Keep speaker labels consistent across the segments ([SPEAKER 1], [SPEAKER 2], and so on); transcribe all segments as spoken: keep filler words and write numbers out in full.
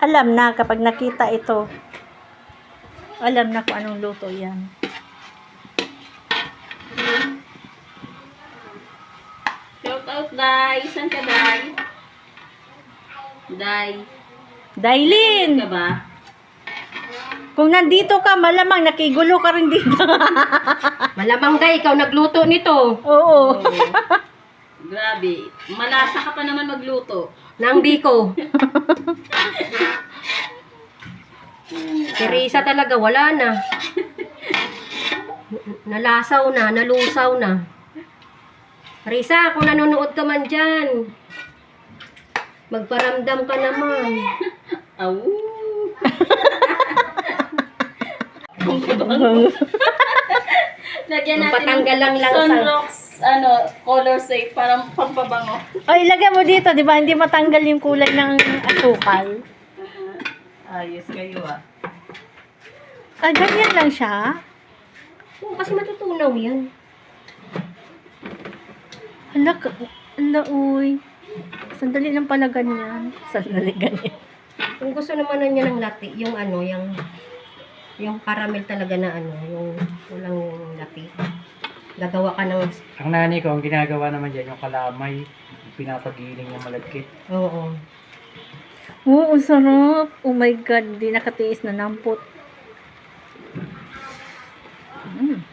[SPEAKER 1] Alam na kapag nakita ito. Alam na kung anong luto yan.
[SPEAKER 2] Shout out, Day. Saan ka, Day? Day.
[SPEAKER 1] Dailin!
[SPEAKER 2] Ka ba?
[SPEAKER 1] Kung nandito ka, malamang nakigulo ka rin dito.
[SPEAKER 3] Malamang Day, ikaw nagluto nito.
[SPEAKER 1] Oo.
[SPEAKER 2] Oh. Grabe. Malasa ka pa naman magluto.
[SPEAKER 3] Nang Biko. Teresa talaga, wala na. Nalasaw na, nalusaw na. Teresa, kung nanonood ka man dyan, magparamdam ka naman.
[SPEAKER 2] Aw. Lagyan natin
[SPEAKER 3] Patanggal lang lang sa-
[SPEAKER 2] Sunrox, ano, color safe, parang pampabango.
[SPEAKER 1] O, ilagay mo dito, di ba? Hindi matanggal yung kulay ng asukal.
[SPEAKER 2] Ayos kayo ah.
[SPEAKER 1] Ah, ganyan lang siya.
[SPEAKER 3] Oo, kasi matutunaw yan.
[SPEAKER 1] Hala, ka- hala, uy. Sandali lang pala ganyan. Sandali ganyan.
[SPEAKER 3] Kung gusto naman na niya ng latte, yung ano, yung yung caramel talaga na ano, yung walang latte. Gagawa ka ng,
[SPEAKER 4] Ang nanay ko, ang ginagawa naman dyan, yung kalamay, pinapagiling yung malagkit.
[SPEAKER 3] oo.
[SPEAKER 1] Oo, ang sarap. Oh my God, di nakatiis na nampot. Mm.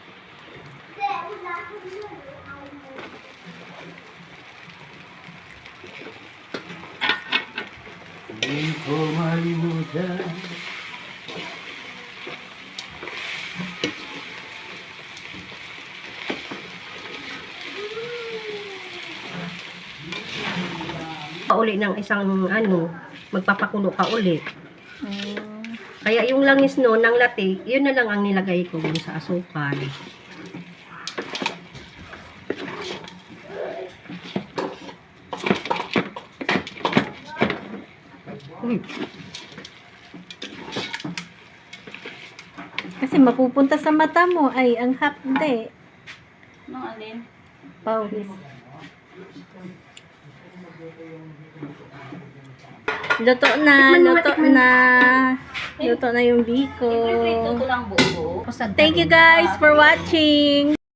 [SPEAKER 4] Hindi ko malimutan.
[SPEAKER 3] Pauli ng isang ano, magpapakulo ka uli.
[SPEAKER 1] Mm.
[SPEAKER 3] Kaya yung langis no, ng latte, yun na lang ang nilagay ko dun sa asukal. Uy,
[SPEAKER 1] Kasi mapupunta sa mata mo ay ang hapde.
[SPEAKER 2] Anong alin?
[SPEAKER 1] Pawis. Luto na,
[SPEAKER 3] Tikman mo,
[SPEAKER 1] luto
[SPEAKER 3] tikman mo.
[SPEAKER 1] na. Luto na yung biko.
[SPEAKER 2] Ipiprito ko lang buo.
[SPEAKER 3] kusad
[SPEAKER 1] Thank you guys for watching.